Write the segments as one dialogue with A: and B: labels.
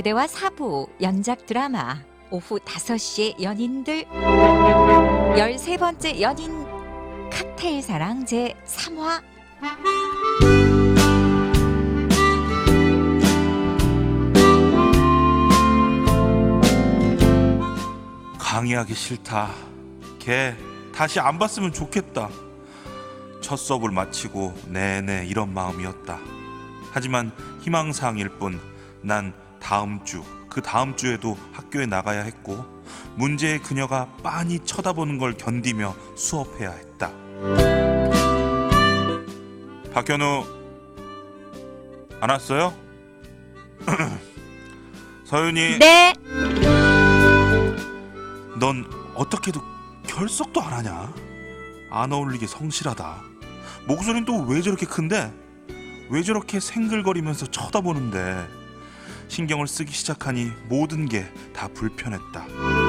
A: 노래와 사부 연작 드라마 오후 5시에 연인들 13번째 연인 칵테일 사랑 제3화.
B: 강의하기 싫다. 걔 다시 안 봤으면 좋겠다. 첫 수업을 마치고 내내 이런 마음이었다. 하지만 희망사항일 뿐 난 다음 주, 그 다음 주에도 학교에 나가야 했고 문제의 그녀가 빤히 쳐다보는 걸 견디며 수업해야 했다. 박현우 안 왔어요? 서윤이.
A: 네.
B: 넌 어떻게도 결석도 안 하냐? 안 어울리게 성실하다. 목소리는 또 왜 저렇게 큰데? 왜 저렇게 생글거리면서 쳐다보는데? 신경을 쓰기 시작하니 모든 게 다 불편했다.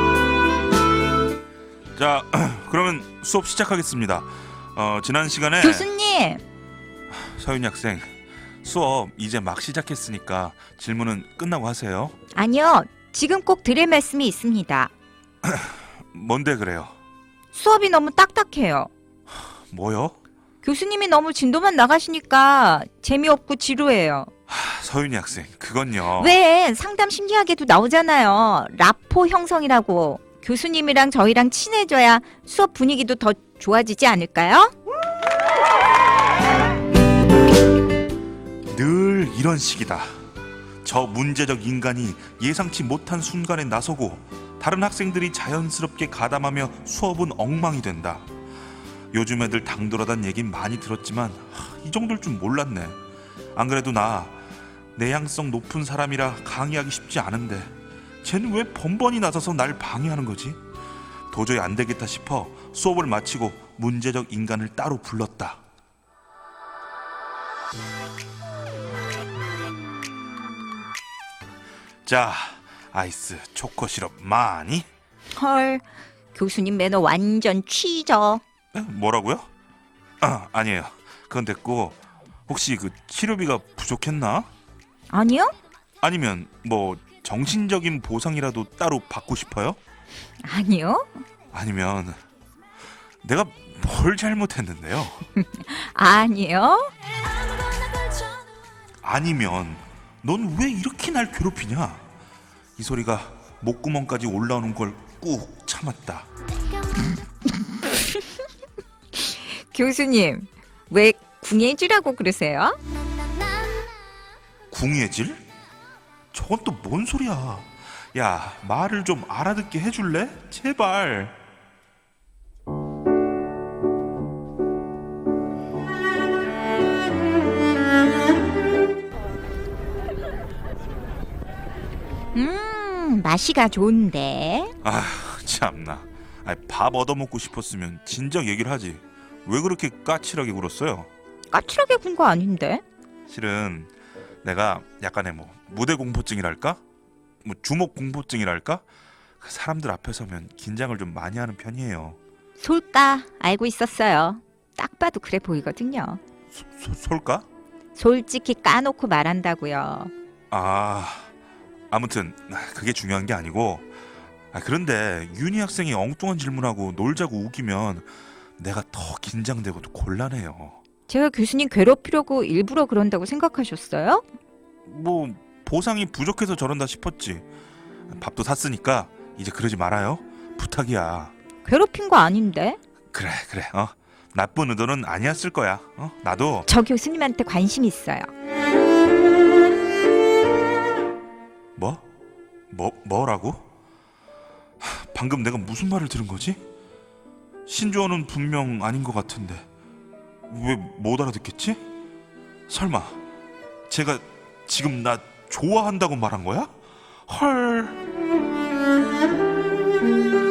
B: 자, 그러면 수업 시작하겠습니다. 지난 시간에
A: 교수님.
B: 서윤이 학생, 수업 이제 막 시작했으니까 질문은 끝나고 하세요.
A: 아니요, 지금 꼭 드릴 말씀이 있습니다.
B: 뭔데 그래요?
A: 수업이 너무 딱딱해요.
B: 뭐요?
A: 교수님이 너무 진도만 나가시니까 재미없고 지루해요.
B: 서윤이 학생, 그건요.
A: 왜 상담 심리학에도 나오잖아요. 라포 형성이라고. 교수님이랑 저희랑 친해져야 수업 분위기도 더 좋아지지 않을까요?
B: 늘 이런 식이다. 저 문제적 인간이 예상치 못한 순간에 나서고 다른 학생들이 자연스럽게 가담하며 수업은 엉망이 된다. 요즘 애들 당돌하단 얘긴 많이 들었지만 이 정도일 줄 몰랐네. 안 그래도 나 내향성 높은 사람이라 강의하기 쉽지 않은데 쟤는 왜 번번이 나서서 날 방해하는 거지? 도저히 안 되겠다 싶어 수업을 마치고 문제적 인간을 따로 불렀다. 자, 아이스 초코 시럽 많이?
A: 헐, 교수님 매너 완전 취저.
B: 뭐라고요? 아니에요. 그건 됐고 혹시 그 치료비가 부족했나?
A: 아니요?
B: 아니면 뭐 정신적인 보상이라도 따로 받고 싶어요?
A: 아니요?
B: 아니면 내가 뭘 잘못했는데요?
A: 아니요?
B: 아니면 넌 왜 이렇게 날 괴롭히냐? 이 소리가 목구멍까지 올라오는 걸 꾹 참았다.
A: 교수님, 왜 궁예지라고 그러세요?
B: 궁예질? 저건 또 뭔 소리야? 야, 말을 좀 알아듣게 해줄래? 제발.
A: 맛이가 좋은데.
B: 아, 참나. 밥 얻어먹고 싶었으면 진작 얘기를 하지. 왜 그렇게 까칠하게 굴었어요?
A: 까칠하게 군 거 아닌데?
B: 실은 내가 약간의 뭐 무대 공포증이랄까? 뭐 주목 공포증이랄까? 사람들 앞에 서면 긴장을 좀 많이 하는 편이에요.
A: 솔까 알고 있었어요. 딱 봐도 그래 보이거든요.
B: 솔까?
A: 솔직히 까놓고 말한다고요.
B: 아무튼 그게 중요한 게 아니고, 그런데 윤희 학생이 엉뚱한 질문하고 놀자고 우기면 내가 더 긴장되고 곤란해요.
A: 제가 교수님 괴롭히려고 일부러 그런다고 생각하셨어요?
B: 뭐 보상이 부족해서 저런다 싶었지. 밥도 샀으니까 이제 그러지 말아요. 부탁이야.
A: 괴롭힌 거 아닌데?
B: 그래. 나쁜 의도는 아니었을 거야. 나도.
A: 저 교수님한테 관심 있어요.
B: 뭐라고? 방금 내가 무슨 말을 들은 거지? 신조어는 분명 아닌 것 같은데 왜 못 알아듣겠지? 설마 제가 지금 나 좋아한다고 말한 거야? 헐.